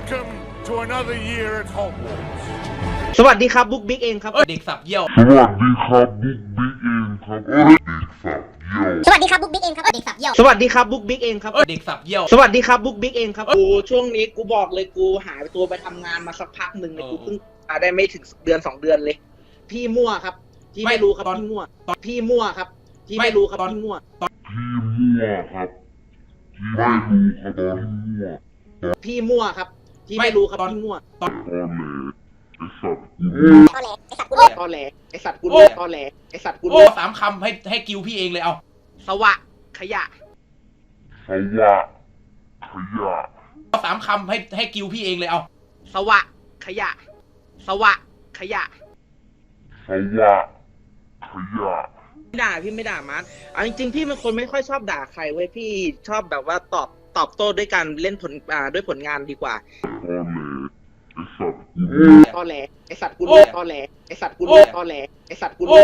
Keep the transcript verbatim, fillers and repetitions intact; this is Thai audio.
Welcome to another year at Hogwarts. สวัสดีครับบุ๊กบิ๊กเองครับเอ้ยเด็กสับเยี่ยวสวัสดีครับบุ๊กบิ๊กเองครับเอ้ยเด็กสับเยี่ยวสวัสดีครับบุ๊กบิ๊กเองครับเด็กสับเยี่ยวสวัสดีครับบุ๊กบิ๊กเองครับเอ้ยเด็กสับเยี่ยวสวัสดีครับบุ๊กบิ๊กเองครับกูช่วงนี้กูบอกเลยกูหายตัวไปทำงานมาสักพักหนึ่งเลยเออกูเพิ่งมาได้ไม่ถึงเดือนสองเดือนเลย พี่มั่วครับที่ไม่ไม่รู้ครับตอนพี่มั่วตอนพี่มั่วครับที่ไม่ไม่รู้ครับตอนพี่มั่วพี่มั่วครับที่ไม่รู้ครับตอนมั่วพี่มั่วครับที่ไม่ไม่รู้ครับตอนพี่มั่วตอนแหลไอสัตว์กูตอแหลไอสัตว์กูรู้ตอแหลไอสัตว์กูโอ้รู้ตอแหลไอสัตว์กูโอ้รู้สามคำให้ให้กิวพี่เองเลยเอาสวะขยะสวะขยะสามคำให้ให้กิวพี่เองเลยเอาสวะขยะ สวะขยะสวะขยะไม่ด่าพี่ไม่ด่ามันเอาจริงๆพี่เป็นคนไม่ค่อยชอบด่าใครเว้ยพี่ชอบแบบว่าตอบตอบโต้ด้วยการเล่นผลอ่าด้วยผลงานดีกว่าตอนแหลไอสัตว์กูตอแหลไอสัตว์กูรู้ตอแหลไอสัตว์กูรู้ตอแหลไอสัตว์กูรู้